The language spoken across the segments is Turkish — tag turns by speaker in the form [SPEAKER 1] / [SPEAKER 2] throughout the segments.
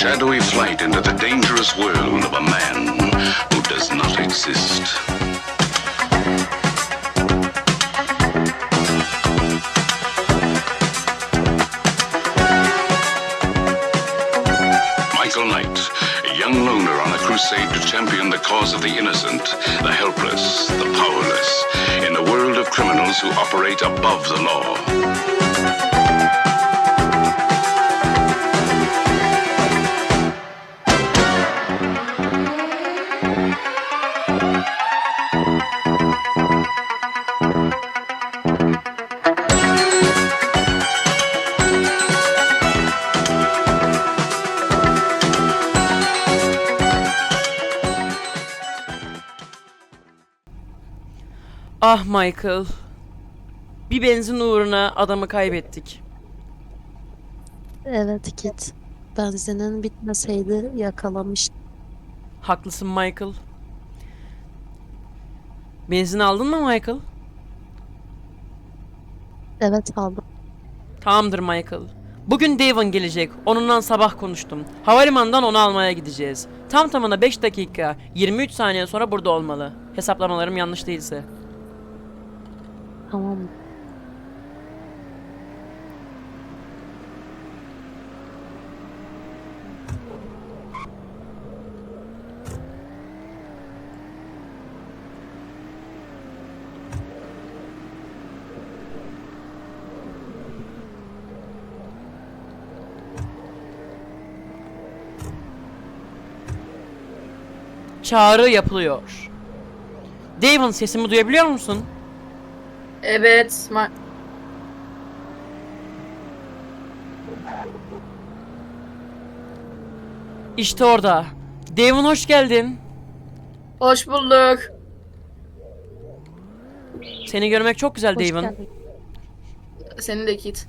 [SPEAKER 1] shadowy flight into the dangerous world of a man who does not exist. Michael Knight, a young loner on a crusade to champion the cause of the innocent, the helpless, the powerless, in a world of criminals who operate above the law.
[SPEAKER 2] Ah Michael. Bir benzin uğruna adamı kaybettik.
[SPEAKER 3] Evet Kit. Benzinin bitmeseydi yakalamıştım.
[SPEAKER 2] Haklısın Michael. Benzin aldın mı Michael?
[SPEAKER 3] Evet aldım.
[SPEAKER 2] Tamamdır Michael. Bugün Devon gelecek. Onunla sabah konuştum. Havalimanından onu almaya gideceğiz. Tam tamına 5 dakika 23 saniye sonra burada olmalı. Hesaplamalarım yanlış değilse.
[SPEAKER 3] Tamam.
[SPEAKER 2] Çağrı yapılıyor. Devon, sesimi duyabiliyor musun?
[SPEAKER 4] Evet.
[SPEAKER 2] İşte orada. Devon, hoş geldin.
[SPEAKER 4] Hoş bulduk.
[SPEAKER 2] Seni görmek çok güzel
[SPEAKER 3] Hoş
[SPEAKER 2] Devon.
[SPEAKER 3] geldin.
[SPEAKER 4] Senin de Kit.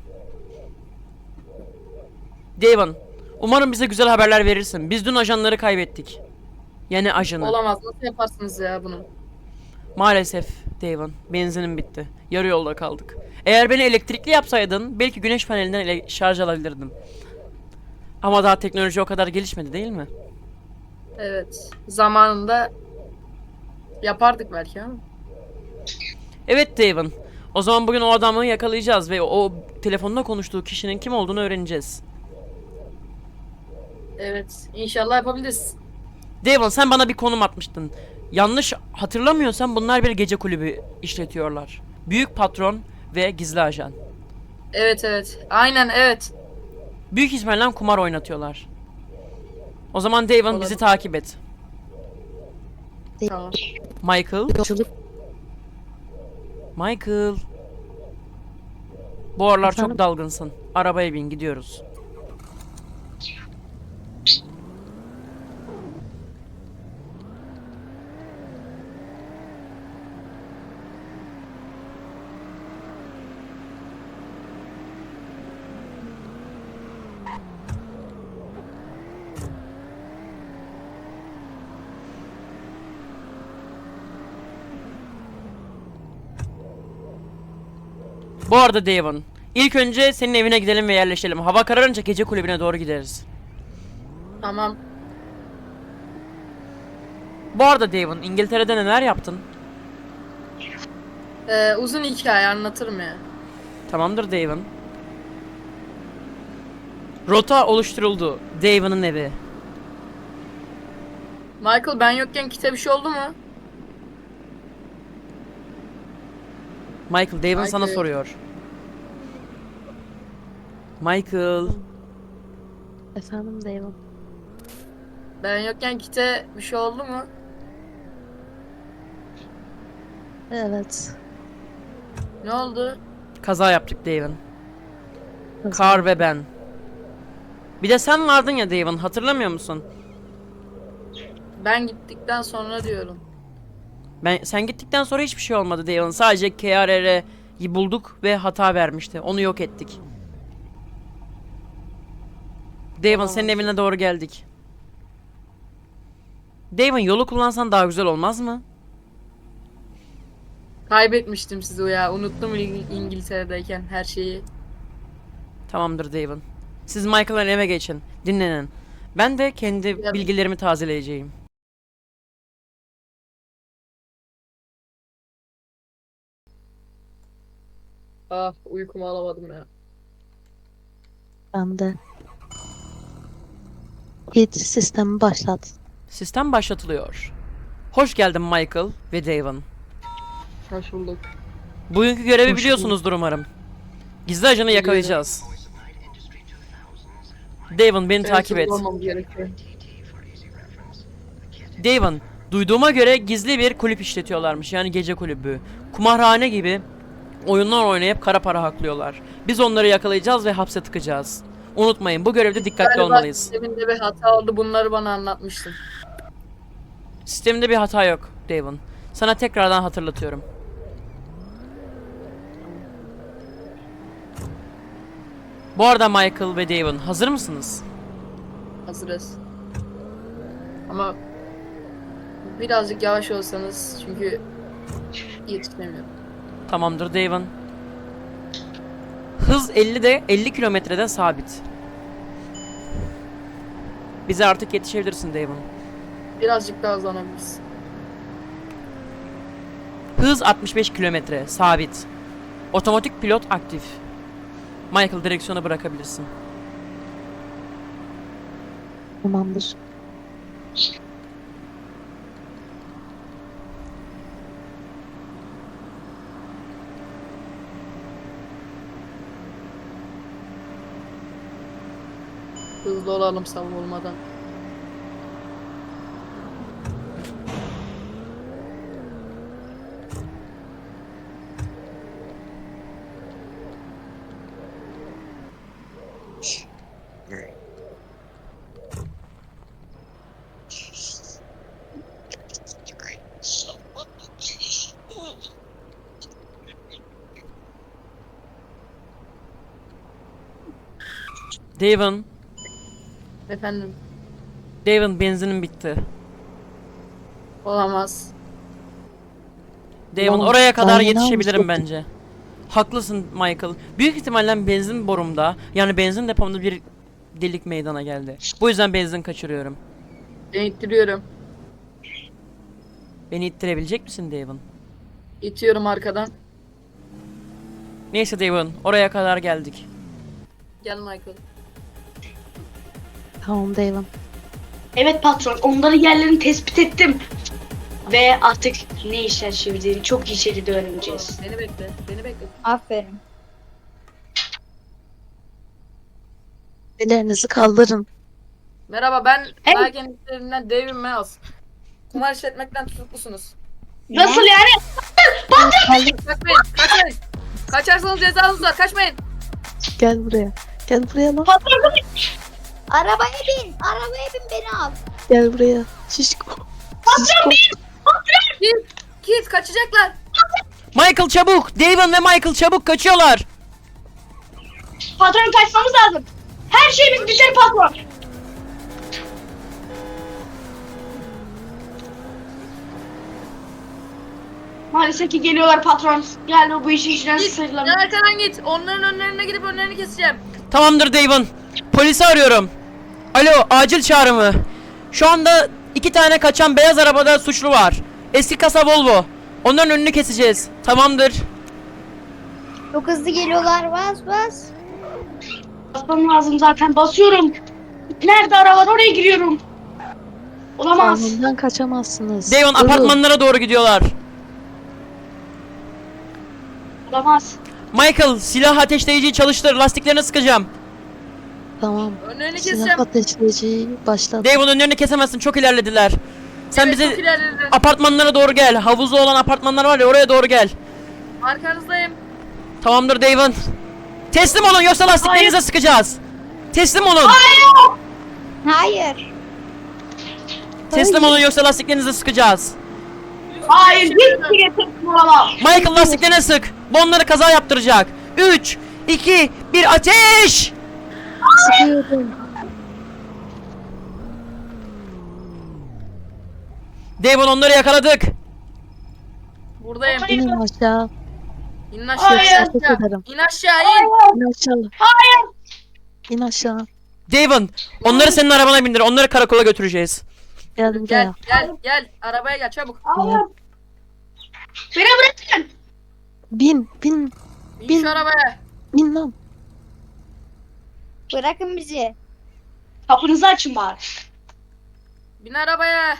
[SPEAKER 2] Devon, umarım bize güzel haberler verirsin. Biz dün ajanları kaybettik. Yani ajanı.
[SPEAKER 4] Olamaz. Nasıl yaparsınız ya bunu?
[SPEAKER 2] Maalesef Devon, benzinim bitti. Yarı yolda kaldık. Eğer beni elektrikli yapsaydın belki güneş panelinden şarj alabilirdim. Ama daha teknoloji o kadar gelişmedi değil mi?
[SPEAKER 4] Evet. Zamanında yapardık belki ama.
[SPEAKER 2] Evet Devon. O zaman bugün o adamı yakalayacağız ve o telefonda konuştuğu kişinin kim olduğunu öğreneceğiz.
[SPEAKER 4] Evet. İnşallah yapabiliriz.
[SPEAKER 2] Devon, sen bana bir konum atmıştın. Yanlış hatırlamıyorsam bunlar bir gece kulübü işletiyorlar. Büyük patron ve gizli ajan.
[SPEAKER 4] Evet evet. Aynen evet.
[SPEAKER 2] Büyük ihtimalle kumar oynatıyorlar. O zaman Devon, bizi
[SPEAKER 4] Olabilir.
[SPEAKER 2] takip et.
[SPEAKER 4] Tamam.
[SPEAKER 2] Michael.
[SPEAKER 3] Yolculuk
[SPEAKER 2] Michael. Bu aralar
[SPEAKER 3] Efendim?
[SPEAKER 2] çok dalgınsın. Arabaya bin, gidiyoruz. Bu arada Devon, ilk önce senin evine gidelim ve yerleşelim. Hava kararınca gece kulübüne doğru gideriz.
[SPEAKER 4] Tamam.
[SPEAKER 2] Bu arada Devon, İngiltere'de neler yaptın?
[SPEAKER 4] Uzun hikaye anlatırım ya.
[SPEAKER 2] Tamamdır Devon. Rota oluşturuldu. Devon'ın evi.
[SPEAKER 4] Michael, ben yokken Kit'e bir şey oldu mu?
[SPEAKER 2] Michael, Devon sana
[SPEAKER 4] Michael.
[SPEAKER 2] soruyor. Michael.
[SPEAKER 3] efendim Devon.
[SPEAKER 4] Ben yokken Kit'e bir şey oldu mu?
[SPEAKER 3] Evet.
[SPEAKER 4] Ne oldu?
[SPEAKER 2] Kaza yaptık Devon.
[SPEAKER 3] Nasıl?
[SPEAKER 2] Kar ve ben. Bir de sen vardın ya Devon, hatırlamıyor musun?
[SPEAKER 4] Ben gittikten sonra diyorum.
[SPEAKER 2] Sen gittikten sonra hiçbir şey olmadı Devon. Sadece KRR'yi bulduk ve hata vermişti. Onu yok ettik. Devon, senin evine doğru geldik. Devon, yolu kullansan daha güzel olmaz mı?
[SPEAKER 4] Kaybetmiştim sizi ya. Unuttum İngiltere'deyken her şeyi.
[SPEAKER 2] Tamamdır Devon. Siz Michael'ın eve geçin. Dinlenin. Ben de kendi
[SPEAKER 4] Ya-
[SPEAKER 2] bilgilerimi tazeleyeceğim.
[SPEAKER 4] Ah, uykumu alamadım ya.
[SPEAKER 3] Ben de. Git sistemi başlat.
[SPEAKER 2] Sistem başlatılıyor. Hoş geldin Michael ve Devon.
[SPEAKER 4] Hoş bulduk.
[SPEAKER 2] Bugünkü görevi
[SPEAKER 3] Hoş
[SPEAKER 2] biliyorsunuzdur umarım. Gizli ajanı yakalayacağız. Devon beni takip et.
[SPEAKER 4] Olmam gerekiyor.
[SPEAKER 2] Devon, duyduğuma göre gizli bir kulüp işletiyorlarmış. Yani gece kulübü. Kumarhane gibi oyunlar oynayıp kara para haklıyorlar. Biz onları yakalayacağız ve hapse tıkacağız. Unutmayın, bu görevde dikkatli
[SPEAKER 4] Galiba
[SPEAKER 2] olmalıyız.
[SPEAKER 4] sisteminde bir hata oldu. Bunları bana anlatmıştın.
[SPEAKER 2] Sistemde bir hata yok Devon. Sana tekrardan hatırlatıyorum. Bu arada Michael ve Devon hazır mısınız?
[SPEAKER 4] Hazırız. Ama birazcık yavaş olsanız çünkü yetişemiyorum.
[SPEAKER 2] Tamamdır Devon. Hız 50 kilometrede sabit. Bize artık yetişebilirsin Devon.
[SPEAKER 4] Birazcık daha hızlanabiliriz.
[SPEAKER 2] Hız 65 kilometre sabit. Otomatik pilot aktif. Michael direksiyonu bırakabilirsin.
[SPEAKER 3] Tamamdır.
[SPEAKER 4] Hızlı olalım savunulmadan.
[SPEAKER 2] Devon,
[SPEAKER 4] Efendim,
[SPEAKER 2] Devon benzinin bitti.
[SPEAKER 4] olamaz.
[SPEAKER 2] Devon
[SPEAKER 3] Ulan,
[SPEAKER 2] oraya kadar
[SPEAKER 3] ben yine
[SPEAKER 2] yetişebilirim
[SPEAKER 3] almıştım.
[SPEAKER 2] bence. Haklısın Michael. Büyük ihtimalle benzin borumda, yani benzin depomda bir delik meydana geldi. Bu yüzden benzin kaçırıyorum.
[SPEAKER 4] Ben ittiriyorum.
[SPEAKER 2] Beni ittirebilecek misin Devon?
[SPEAKER 4] İtiyorum arkadan.
[SPEAKER 2] Neyse Devon, oraya kadar geldik.
[SPEAKER 4] Gel Michael.
[SPEAKER 3] Tamam Devon.
[SPEAKER 5] Evet patron, onların yerlerini tespit ettim. Ve artık ne işler çevirdiğini çok iyi şekilde öğreneceğiz.
[SPEAKER 4] Beni bekle. Beni bekle.
[SPEAKER 6] Aferin.
[SPEAKER 3] Ellerinizi kaldırın.
[SPEAKER 4] Merhaba, ben
[SPEAKER 5] Hey.
[SPEAKER 4] Belgen işlerinden David Miles. Kumar işletmekten tutuklusunuz.
[SPEAKER 5] Nasıl yani?
[SPEAKER 4] Kaçmayın, kaçmayın. Kaçarsanız cezanız var, kaçmayın.
[SPEAKER 3] Gel buraya. Gel buraya lan.
[SPEAKER 5] Patron,
[SPEAKER 6] Arabaya bin. Arabaya bin beni al.
[SPEAKER 3] Gel buraya. Şişko. Şişko.
[SPEAKER 4] Git, kaçacaklar.
[SPEAKER 2] Michael çabuk! Devon ve Michael çabuk kaçıyorlar!
[SPEAKER 5] patron kaçmamız lazım. Her şeyimiz biter patron. Maalesef ki geliyorlar patron. Galiba bu işin içinden
[SPEAKER 4] Git,
[SPEAKER 5] sıyrılamıyor.
[SPEAKER 4] arkadan git. Onların önlerine gidip önlerini keseceğim.
[SPEAKER 2] Tamamdır Devon. Polisi arıyorum. Alo, acil çağrı mı? Şu anda 2 tane kaçan beyaz arabada suçlu var. Eski kasa Volvo. Onların önünü keseceğiz. Tamamdır.
[SPEAKER 6] Çok hızlı geliyorlar. Bas bas.
[SPEAKER 5] Basmam lazım zaten. Basıyorum. Nerede arabalar? Oraya giriyorum. Olamaz.
[SPEAKER 3] Kanundan kaçamazsınız.
[SPEAKER 2] Devon
[SPEAKER 3] Durun.
[SPEAKER 2] apartmanlara doğru gidiyorlar.
[SPEAKER 5] Olamaz.
[SPEAKER 2] Michael silah ateşleyiciyi çalıştır. Lastiklerini sıkacağım.
[SPEAKER 3] Tamam.
[SPEAKER 4] Önlerini
[SPEAKER 3] Silah
[SPEAKER 4] keseceğim.
[SPEAKER 3] ateşleyiciyi başlat.
[SPEAKER 2] Devon önlerini kesemezsin. Çok ilerlediler. Sen
[SPEAKER 4] Evet, çok
[SPEAKER 2] bize
[SPEAKER 4] ilerledi.
[SPEAKER 2] apartmanlara doğru gel. Havuzlu olan apartmanlar var ya, oraya doğru gel.
[SPEAKER 4] Arkanızdayım.
[SPEAKER 2] Tamamdır Devon. Teslim olun yoksa lastiklerinize sıkacağız. Teslim olun.
[SPEAKER 6] Hayır.
[SPEAKER 2] Teslim olun yoksa lastiklerinize sıkacağız.
[SPEAKER 5] Hayır. Hiçbir yetenekim olamaz.
[SPEAKER 2] Michael lastiklerine sık. Bu onları kaza yaptıracak. 3, 2, 1 ateş!
[SPEAKER 3] Sıkıyorum.
[SPEAKER 2] Devon onları yakaladık.
[SPEAKER 4] Buradayım.
[SPEAKER 3] İnin aşağı.
[SPEAKER 4] İn aşağı.
[SPEAKER 5] Hayır.
[SPEAKER 4] in
[SPEAKER 3] Ateş
[SPEAKER 4] aşağı.
[SPEAKER 3] ederim.
[SPEAKER 4] İn aşağı in.
[SPEAKER 3] İn aşağı.
[SPEAKER 5] Hayır.
[SPEAKER 3] İn aşağı.
[SPEAKER 2] Devon, onları senin arabana bindir. Onları karakola götüreceğiz.
[SPEAKER 3] Gel
[SPEAKER 4] Gel
[SPEAKER 3] buraya.
[SPEAKER 4] gel arabaya gel çabuk.
[SPEAKER 3] Gel.
[SPEAKER 5] Beni bırakın.
[SPEAKER 3] Bin.
[SPEAKER 4] Bin
[SPEAKER 3] Bin.
[SPEAKER 4] şu arabaya.
[SPEAKER 3] Bin lan.
[SPEAKER 6] Bırakın bizi.
[SPEAKER 5] Kapınızı açın bari.
[SPEAKER 4] Bin arabaya.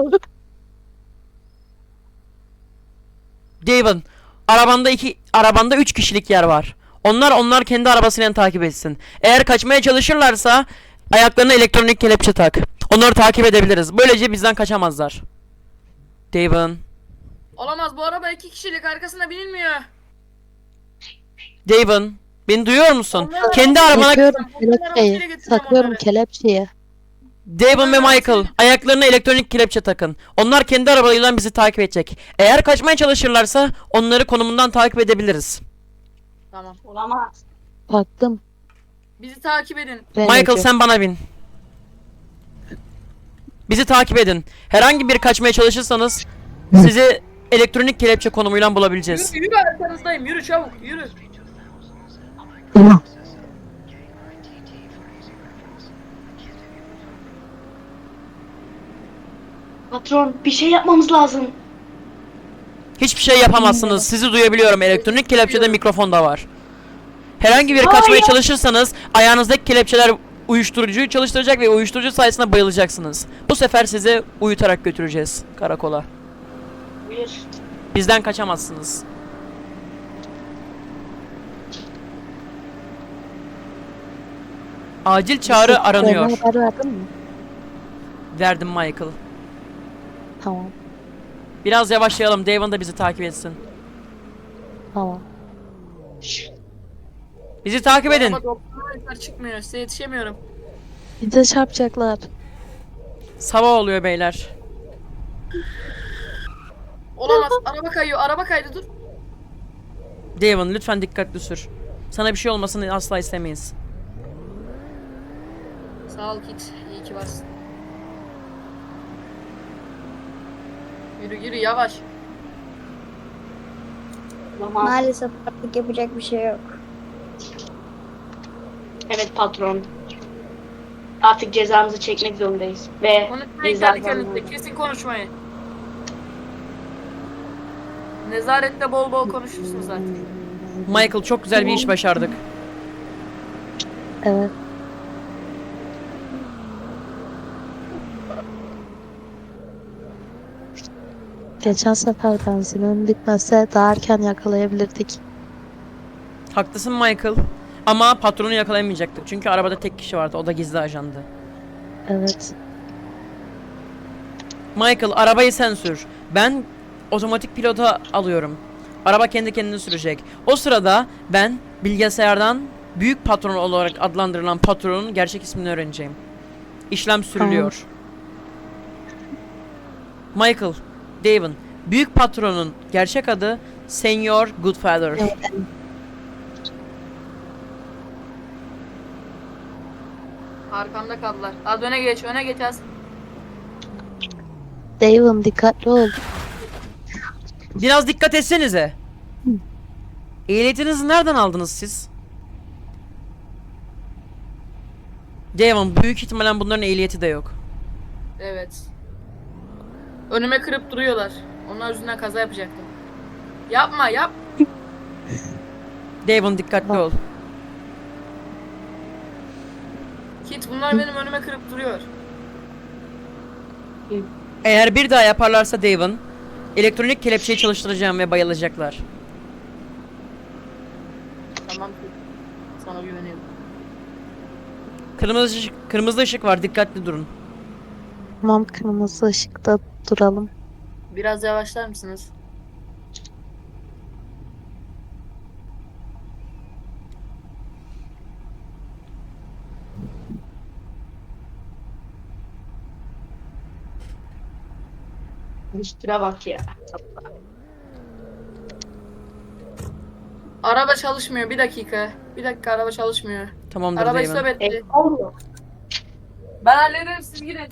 [SPEAKER 2] Devon, arabanda 3 kişilik yer var. Onlar kendi arabasıyla takip etsin. Eğer kaçmaya çalışırlarsa ayaklarına elektronik kelepçe tak. Onları takip edebiliriz. Böylece bizden kaçamazlar. Devon,
[SPEAKER 4] Olamaz, bu araba 2 kişilik, arkasına binilmiyor.
[SPEAKER 2] Devon, beni duyuyor musun?
[SPEAKER 4] Onları-
[SPEAKER 2] Kendi arabana
[SPEAKER 3] Sakıyorum
[SPEAKER 4] Onları arabasıyla
[SPEAKER 3] kelepçeyi.
[SPEAKER 4] götüreceğim
[SPEAKER 3] Saklıyorum
[SPEAKER 4] onları.
[SPEAKER 3] kelepçeyi.
[SPEAKER 2] Devon ve Michael, ayaklarına elektronik kelepçe takın. Onlar kendi arabalarıyla bizi takip edecek. Eğer kaçmaya çalışırlarsa onları konumundan takip edebiliriz.
[SPEAKER 4] Tamam.
[SPEAKER 5] Olamaz.
[SPEAKER 3] Baktım.
[SPEAKER 4] Bizi takip edin.
[SPEAKER 2] Michael, sen bana bin. Bizi takip edin. Herhangi bir kaçmaya çalışırsanız sizi elektronik kelepçe konumuyla bulabileceğiz.
[SPEAKER 4] Yürü arkanızdayım, yürü çabuk, yürü.
[SPEAKER 5] Patron bir şey yapmamız lazım.
[SPEAKER 2] Hiçbir şey yapamazsınız. Sizi duyabiliyorum. Elektronik kelepçede mikrofon da var. Herhangi bir kaçmaya
[SPEAKER 5] Hayır.
[SPEAKER 2] çalışırsanız ayağınızdaki kelepçeler uyuşturucuyu çalıştıracak ve uyuşturucu sayesinde bayılacaksınız. Bu sefer sizi uyutarak götüreceğiz karakola.
[SPEAKER 5] Buyur.
[SPEAKER 2] Bizden kaçamazsınız. Acil çağrı aranıyor.
[SPEAKER 3] Haber verdin mi?
[SPEAKER 2] Verdim Michael.
[SPEAKER 3] Tamam.
[SPEAKER 2] Biraz yavaşlayalım. Devon da bizi takip etsin.
[SPEAKER 3] Tamam.
[SPEAKER 2] Bizi takip edin.
[SPEAKER 4] Araba doktorlar çıkmıyor, size yetişemiyorum.
[SPEAKER 3] Bize çarpacaklar.
[SPEAKER 2] Sabah oluyor beyler.
[SPEAKER 4] Olamaz, araba kayıyor, araba kaydı, dur.
[SPEAKER 2] Devon, lütfen dikkatli sür. Sana bir şey olmasını asla istemeyiz.
[SPEAKER 4] Sağ ol Kit, iyi ki varsın. Yürü yürü, yavaş.
[SPEAKER 5] Olamaz.
[SPEAKER 6] Maalesef artık yapacak bir şey yok.
[SPEAKER 5] Evet patron. Artık cezamızı çekmek zorundayız. Ve
[SPEAKER 4] Konuşmayın
[SPEAKER 5] biz
[SPEAKER 4] kendi
[SPEAKER 5] zaten...
[SPEAKER 4] kendinize, kesin konuşmayın. Nezarette bol bol konuşursunuz zaten.
[SPEAKER 2] Michael, çok güzel bir iş başardık.
[SPEAKER 3] Evet. Geçen sefer benzinim bitmese daha erken yakalayabilirdik.
[SPEAKER 2] Haklısın Michael. Ama patronu yakalayamayacaktık. Çünkü arabada tek kişi vardı. O da gizli ajandı.
[SPEAKER 3] Evet.
[SPEAKER 2] Michael, arabayı sen sür. Ben otomatik pilota alıyorum. Araba kendi kendini sürecek. O sırada ben bilgisayardan büyük patron olarak adlandırılan patronun gerçek ismini öğreneceğim. İşlem sürülüyor. Michael, Devon, büyük patronun gerçek adı Senior Goodfather.
[SPEAKER 3] Evet.
[SPEAKER 4] Arkanda kaldılar. Az öne geç, öne geç az.
[SPEAKER 3] Devon dikkatli ol.
[SPEAKER 2] Biraz dikkat etsenize. Ehliyetinizi nereden aldınız siz? Devon, büyük ihtimalle bunların ehliyeti de yok.
[SPEAKER 4] Evet. Önüme kırıp duruyorlar. Onlar yüzünden kaza yapacaktım. Yapma, yap.
[SPEAKER 2] Devon, dikkatli ol.
[SPEAKER 4] Kit, bunlar benim önüme kırıp duruyor.
[SPEAKER 2] Eğer bir daha yaparlarsa Devon, elektronik kelepçeyi çalıştıracağım ve bayılacaklar.
[SPEAKER 4] Tamam Kit. Sana güveniyorum.
[SPEAKER 2] Kırmızı ışık var, dikkatli durun.
[SPEAKER 3] Tamam, kırmızı ışıkta duralım.
[SPEAKER 4] Biraz yavaşlar mısınız?
[SPEAKER 5] Üstüne bak ya.
[SPEAKER 4] Araba çalışmıyor, bir dakika. Bir dakika, araba çalışmıyor.
[SPEAKER 2] Tamamdır
[SPEAKER 4] Arabayı
[SPEAKER 2] Devon.
[SPEAKER 4] stop etti.
[SPEAKER 5] Olmuyor.
[SPEAKER 4] Ben hallederim, siz gidin.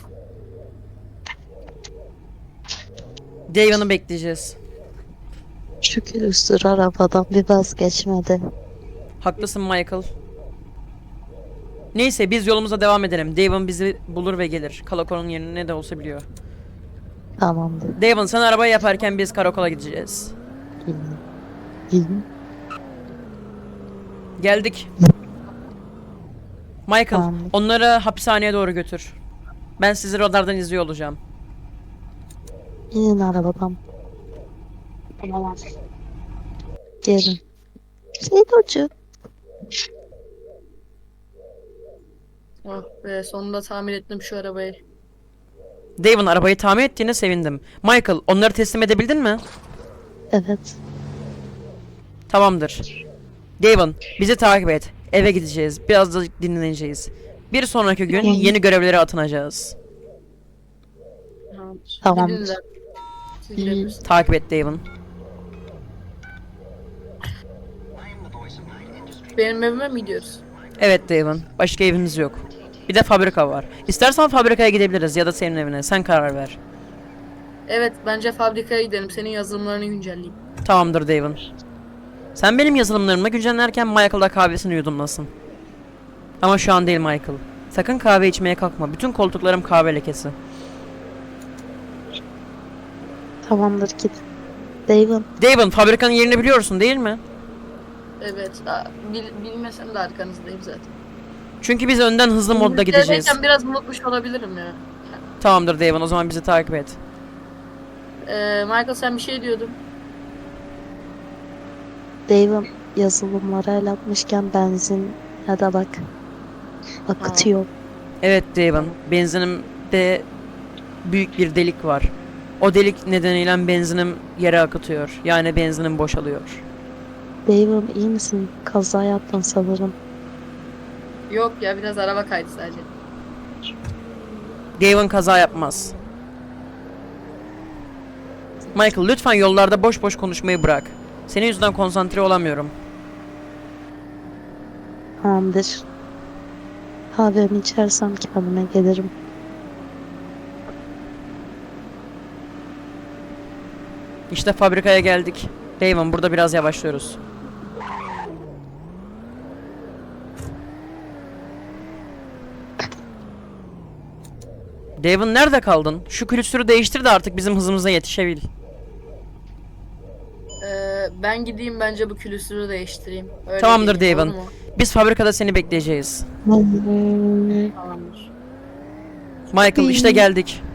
[SPEAKER 2] Devon'u bekleyeceğiz.
[SPEAKER 3] Şükür üstür arabadan bir vazgeçmedi.
[SPEAKER 2] Haklısın Michael. Neyse biz yolumuza devam edelim. Devon bizi bulur ve gelir. Karakolun yerini ne de olsa biliyor.
[SPEAKER 3] Tamamdır.
[SPEAKER 2] Devon sen arabayı yaparken biz karakola gideceğiz.
[SPEAKER 3] İyiyim.
[SPEAKER 2] Geldik. Michael,
[SPEAKER 3] Tamamdır.
[SPEAKER 2] onları hapishaneye doğru götür. Ben sizi radardan izliyor olacağım.
[SPEAKER 3] İnin arabadan.
[SPEAKER 5] Tamam.
[SPEAKER 3] Gelin. Sedocu.
[SPEAKER 4] Oh be, sonunda tamir ettim şu arabayı.
[SPEAKER 2] Devon arabayı tamir ettiğine sevindim. Michael, onları teslim edebildin mi?
[SPEAKER 3] Evet.
[SPEAKER 2] Tamamdır. Devon, bizi takip et. Eve gideceğiz. Biraz da dinleneceğiz. Bir sonraki gün
[SPEAKER 3] Tamam.
[SPEAKER 2] yeni görevlere atınacağız.
[SPEAKER 4] Tamamdır.
[SPEAKER 3] Tamamdır.
[SPEAKER 4] Gidin de. Siz
[SPEAKER 3] İyi.
[SPEAKER 4] gidebilirsiniz.
[SPEAKER 2] Takip et Devon.
[SPEAKER 4] Benim evime mi gidiyoruz?
[SPEAKER 2] Evet Devon, başka evimiz yok. Bir de fabrika var. İstersen fabrikaya gidebiliriz ya da senin evine. Sen karar ver.
[SPEAKER 4] Evet, bence fabrikaya gidelim. Senin yazılımlarını güncelleyeyim.
[SPEAKER 2] Tamamdır Devon. Sen benim yazılımlarımı güncellerken Michael da kahvesini yudumlasın. Ama şu an değil Michael. Sakın kahve içmeye kalkma. Bütün koltuklarım kahve lekesi.
[SPEAKER 3] Tamamdır git. Devon.
[SPEAKER 2] Devon, fabrikanın yerini biliyorsun değil mi?
[SPEAKER 4] Evet, bilmesem de arkanızdayım zaten.
[SPEAKER 2] Çünkü biz önden hızlı modda gideceğiz.
[SPEAKER 4] İngilizce'deyken biraz unutmuş olabilirim ya.
[SPEAKER 2] Tamamdır Devon, o zaman bizi takip et.
[SPEAKER 4] Michael sen bir şey diyordun.
[SPEAKER 3] Devon yazılımlara el atmışken benzin ya da bak. Akıtıyor.
[SPEAKER 2] Evet Devon, benzinimde büyük bir delik var. O delik nedeniyle benzinim yere akıtıyor. Yani benzinim boşalıyor.
[SPEAKER 3] Devon iyi misin? Kaza yaptın sanırım.
[SPEAKER 4] Yok ya, biraz araba kaydı sadece.
[SPEAKER 2] Devon kaza yapmaz. Michael lütfen yollarda boş boş konuşmayı bırak. Senin yüzünden konsantre olamıyorum.
[SPEAKER 3] Tamamdır. Kahvemi içersem kendime gelirim.
[SPEAKER 2] İşte fabrikaya geldik. Devon, burada biraz yavaşlıyoruz. Devon nerede kaldın? Şu külüstürü değiştir de artık bizim hızımıza yetişebil.
[SPEAKER 4] Ben gideyim, bence bu külüstürü değiştireyim. Öyle
[SPEAKER 2] Tamamdır
[SPEAKER 4] geleyim,
[SPEAKER 2] Devon.
[SPEAKER 4] olur mu?
[SPEAKER 2] Biz fabrikada seni bekleyeceğiz.
[SPEAKER 4] Tamamdır.
[SPEAKER 2] Michael işte geldik.